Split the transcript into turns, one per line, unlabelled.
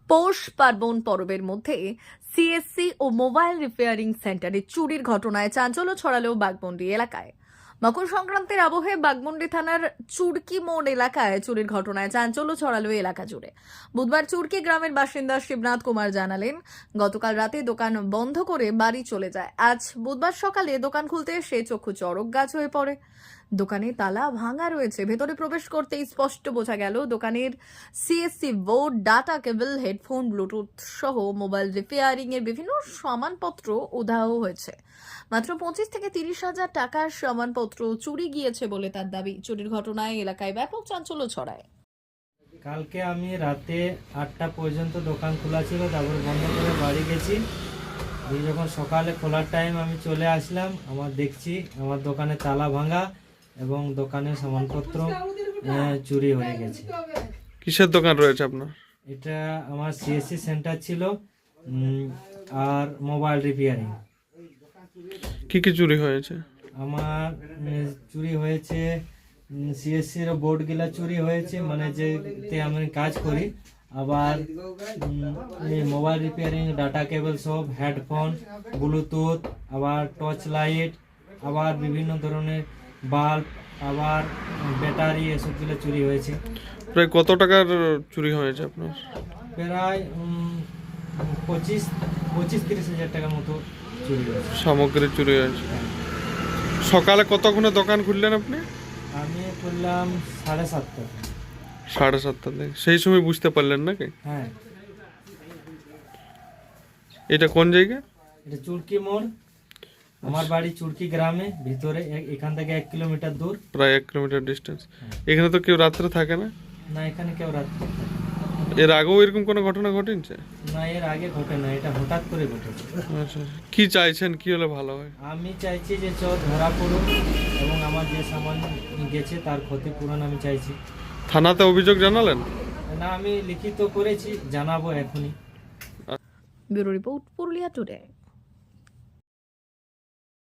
পৌষ পার্বণ পরবের মধ্যে সিএসসি ও mobile repairing সেন্টারে চুরির ঘটনায় চাঞ্চল্য ছড়ালো বাঘমুন্ডি এলাকায়। মকর সংক্রান্তির আবহে বাঘমুন্ডি থানার চুরকি মোড় এলাকায় চুরির ঘটনায় চাঞ্চল্য ছড়ালো এলাকা জুড়ে। বুধবার চুরকি গ্রামের বাসিন্দা শিবনাথ কুমার জানালেন, গতকাল রাতে দোকান বন্ধ করে বাড়ি চলে যায়। আজ বুধবার সকালে দোকান খুলতে এসে চক্ষু চড়ক গাছ হয়ে পড়ে। দোকানে তালা ভাঙা রয়েছে। ভেতরে প্রবেশ করতেই স্পষ্ট বোঝা গেল দোকানের CSC board, data cable, headphone, bluetooth সহ মোবাইল রিপেয়ারিং এর বিভিন্ন সামানপত্র উধাও হয়েছে। মাত্র 25 থেকে 30 হাজার টাকার সামানপত্র চুরি গিয়েছে বলে তার দাবি। চুরির ঘটনায় এলাকায় ব্যাপক চাঞ্চল্য ছড়ায়।
কালকে আমি রাতে 8টা পর্যন্ত দোকান খোলা ছিল, তারপর বন্ধ করে বাড়ি গেছি। যখন সকালে খোলার টাইম আমি চলে আসলাম, দেখছি আমার দোকানে তালা ভাঙা এবং দোকানের সামানপত্র চুরি হয়ে গেছে।
কিসের দোকান রয়েছে আপনার?
এটা আমার সিএসসি সেন্টার ছিল আর মোবাইল রিপেয়ারিং।
কি কি চুরি হয়েছে?
আমার চুরি হয়েছে সিএসসির বোর্ডগুলা চুরি হয়েছে, মানে যেতে আমি কাজ করি। আবার মোবাইল রিপেয়ারিং, ডাটা কেবল সব, হেডফোন, ব্লুটুথ, আবার টর্চ লাইট, আবার বিভিন্ন ধরনের বাল্ব, আবার ব্যাটারি, এসবগুলো চুরি হয়েছে।
প্রায় কত টাকার চুরি হয়েছে আপনার?
প্রায় 25-30 হাজার টাকার মতো চুরি হয়েছে।
সামগ্রী চুরি হয়েছে। সকালে কতক্ষণে দোকান খুললেন আপনি?
আমি করলাম 7:30।
7:30 থেকে। সেই সময় বুঝতে পারলেন নাকি?
হ্যাঁ।
এটা কোন জায়গা?
এটা চুরকি মোড়। আমার বাড়ি চুরকি গ্রামে ভিতরে, এখান থেকে 1 কিলোমিটার দূর।
প্রায় 1 কিলোমিটার ডিস্টেন্স। এখানে তো কেউ রাত্রে থাকে না?
না, এখানে কেউ রাত থাকে না।
এর আগেও এরকম কোনো ঘটনা ঘটেছে?
না, এর আগে ঘটে না, এটা হঠাৎ করে ঘটেছে।
আচ্ছা, কি চাইছেন, কি হলে ভালো হয়?
আমি চাইছি যে চোর ধরা পড়ুক এবং আমার যে সামান গেছে তার ক্ষতিপূরণ আমি চাইছি।
থানাতে অভিযোগ জানালেন?
না, আমি লিখিত করেছি, জানাবো এখনই।
Bureau report, Purulia today.